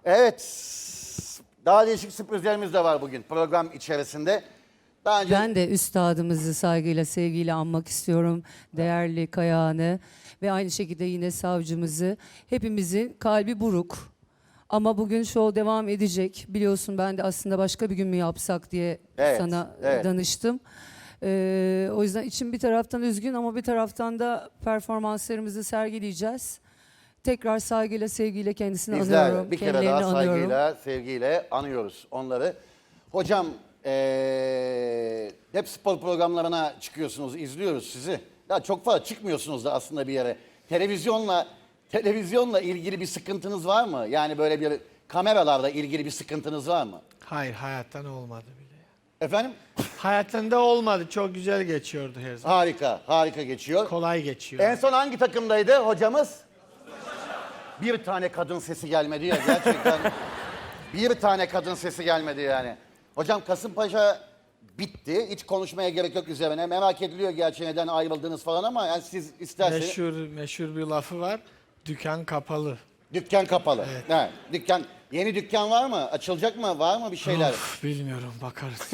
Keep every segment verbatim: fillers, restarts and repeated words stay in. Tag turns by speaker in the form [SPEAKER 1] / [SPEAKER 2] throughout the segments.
[SPEAKER 1] Evet. Daha değişik sürprizlerimiz de var bugün program içerisinde. Daha önce
[SPEAKER 2] Ben de üstadımızı saygıyla, sevgiyle anmak istiyorum. Değerli Kayağan'ı ve aynı şekilde yine savcımızı. Hepimizin kalbi buruk. Ama bugün show devam edecek. Biliyorsun ben de aslında başka bir gün mü yapsak diye
[SPEAKER 1] Evet,
[SPEAKER 2] sana
[SPEAKER 1] evet.
[SPEAKER 2] danıştım. Ee, o yüzden içim bir taraftan üzgün ama bir taraftan da performanslarımızı sergileyeceğiz. Tekrar saygıyla, sevgiyle kendisini
[SPEAKER 1] bizler
[SPEAKER 2] anıyorum.
[SPEAKER 1] bir kere
[SPEAKER 2] kendilerini
[SPEAKER 1] daha
[SPEAKER 2] anıyorum.
[SPEAKER 1] saygıyla, sevgiyle anıyoruz onları. Hocam ee, hep spor programlarına çıkıyorsunuz, izliyoruz sizi. Ya çok fazla çıkmıyorsunuz da aslında bir yere. Televizyonla televizyonla ilgili bir sıkıntınız var mı? Yani böyle bir kameralarla ilgili bir sıkıntınız var mı?
[SPEAKER 3] Hayır, hayattan olmadı bile.
[SPEAKER 1] Efendim?
[SPEAKER 3] Hayattan da olmadı. Çok güzel geçiyordu her zaman.
[SPEAKER 1] Harika, harika geçiyor.
[SPEAKER 3] Kolay geçiyor.
[SPEAKER 1] En son hangi takımdaydı hocamız? Bir tane kadın sesi gelmedi ya gerçekten. Bir tane kadın sesi gelmedi yani. Hocam Kasımpaşa bitti. Hiç konuşmaya gerek yok üzerine. Merak ediliyor gerçi neden ayrıldınız falan ama yani siz isterseniz...
[SPEAKER 3] Meşhur, meşhur bir lafı var. Dükkan kapalı.
[SPEAKER 1] Dükkan kapalı. Evet. Dükkan, yeni dükkan var mı? Açılacak mı? Var mı bir şeyler?
[SPEAKER 3] Of, bilmiyorum, bakarız.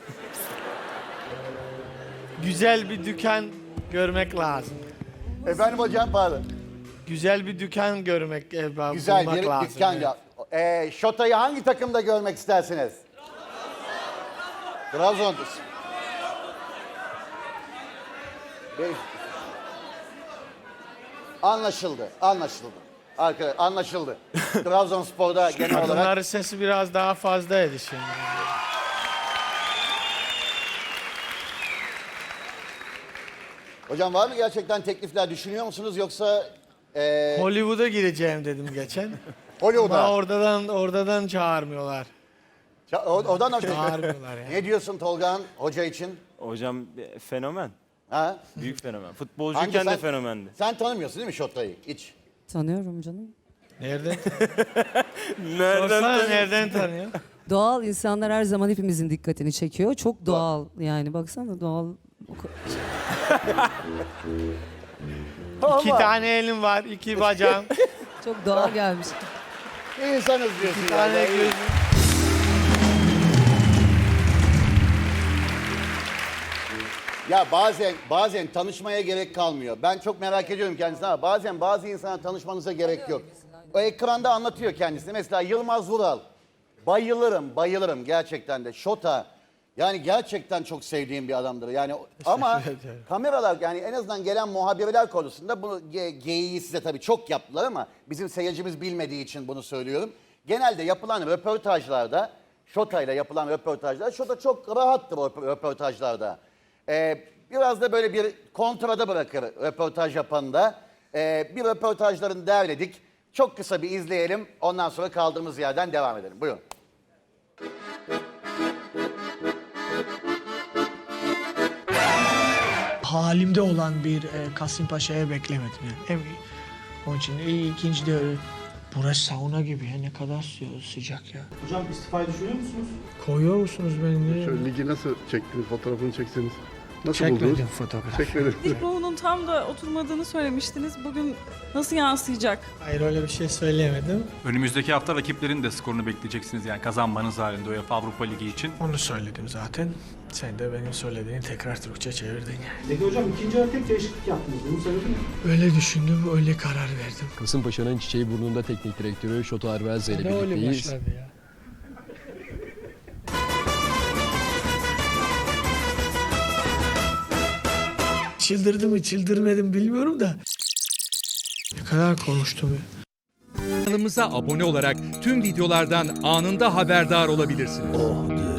[SPEAKER 3] Güzel bir dükkan görmek lazım.
[SPEAKER 1] Efendim hocam pardon.
[SPEAKER 3] Güzel bir dükkan görmek, e,
[SPEAKER 1] Güzel
[SPEAKER 3] bulmak
[SPEAKER 1] bir
[SPEAKER 3] lazım.
[SPEAKER 1] dükkan.
[SPEAKER 3] evet.
[SPEAKER 1] Ya. Ee, Şota'yı hangi takımda görmek istersiniz? Trabzon. Be- Anlaşıldı, anlaşıldı. Arkadaşlar anlaşıldı. Trabzonspor'da genel olarak...
[SPEAKER 3] Kadınların sesi biraz daha fazlaydı şimdi.
[SPEAKER 1] Hocam var mı gerçekten teklifler düşünüyor musunuz yoksa... E,
[SPEAKER 3] Hollywood'a gireceğim dedim geçen. Ama
[SPEAKER 1] Hollywood'a?
[SPEAKER 3] oradan, oradan çağırmıyorlar.
[SPEAKER 1] Ça- o- Oradan
[SPEAKER 3] Çağırmıyorlar yani.
[SPEAKER 1] Ne diyorsun Tolga'nın hoca için?
[SPEAKER 4] Hocam e, fenomen.
[SPEAKER 1] Ha?
[SPEAKER 4] Büyük fenomen.
[SPEAKER 1] Hangi
[SPEAKER 4] Futbolcuyken
[SPEAKER 1] sen-
[SPEAKER 4] de fenomendi.
[SPEAKER 1] Sen tanımıyorsun değil mi Şota'yı hiç?
[SPEAKER 2] Tanıyorum canım.
[SPEAKER 3] Nereden?
[SPEAKER 4] Nereden
[SPEAKER 3] Sorsana,
[SPEAKER 4] tanıyorsun?
[SPEAKER 3] nereden tanıyor?
[SPEAKER 2] Doğal insanlar her zaman hepimizin dikkatini çekiyor. Çok doğal yani baksana doğal.
[SPEAKER 3] İki tane elim var, iki bacağım,
[SPEAKER 2] Çok doğal gelmiş.
[SPEAKER 1] İnsanız diyorsun.
[SPEAKER 3] iki
[SPEAKER 1] ya.
[SPEAKER 3] tane
[SPEAKER 1] Ya.
[SPEAKER 3] gözüm.
[SPEAKER 1] Ya bazen bazen tanışmaya gerek kalmıyor. Ben çok merak ediyorum kendisine ama bazen bazı insana tanışmanıza gerek yok. O ekranda anlatıyor kendisini. Mesela Yılmaz Vural. Bayılırım, bayılırım gerçekten de. Şota. Yani gerçekten çok sevdiğim bir adamdır. Yani ama
[SPEAKER 3] ederim.
[SPEAKER 1] kameralar yani en azından gelen muhabirler konusunda bunu ge- geyiği size tabii çok yaptılar ama bizim seyircimiz bilmediği için bunu söylüyorum. Genelde yapılan röportajlarda Şota ile yapılan röportajlar Şota çok rahattır o röportajlarda. Ee, biraz da böyle bir kontrada bırakır röportaj yapanı da. Ee, bir röportajlarını derledik. Çok kısa bir izleyelim. Ondan sonra kaldığımız yerden devam edelim. Buyurun.
[SPEAKER 5] Halimde olan bir e, Kasımpaşa'ya beklemedim yani. Hem, onun için iyi, ikinci de öyle. Burası sauna gibi ya, ne kadar sı- sıcak ya.
[SPEAKER 6] Hocam istifayı düşünüyor musunuz?
[SPEAKER 5] Koyuyor musunuz beni?
[SPEAKER 7] Şöyle ligi nasıl çektiniz, fotoğrafını çekseniz? Nasıl buldunuz?
[SPEAKER 5] Çekmedim fotoğraf.
[SPEAKER 7] Çekmedim.
[SPEAKER 8] Ruhunun tam da oturmadığını söylemiştiniz. Bugün nasıl yansıyacak?
[SPEAKER 3] Hayır, öyle bir şey söyleyemedim.
[SPEAKER 6] Önümüzdeki hafta rakiplerin de skorunu bekleyeceksiniz yani kazanmanız halinde UEFA Avrupa Ligi için.
[SPEAKER 5] Onu söyledim zaten. Sen de benim söylediğini tekrar Türkçe çevirdin.
[SPEAKER 6] Peki hocam ikinci yarı tek değişiklik yaptınız. Bunun sebebi ne?
[SPEAKER 5] Öyle düşündüm, öyle karar verdim.
[SPEAKER 9] Kasımpaşa'nın Çiçeği Burnu'nda teknik direktörü Şota Arvelze ile
[SPEAKER 5] Ne öyle
[SPEAKER 9] birlikteyiz.
[SPEAKER 5] başladı ya? Çıldırdı mı, çıldırmadım bilmiyorum da. Ne kadar konuştum ya.
[SPEAKER 10] Kanalımıza abone olarak tüm videolardan anında haberdar olabilirsiniz.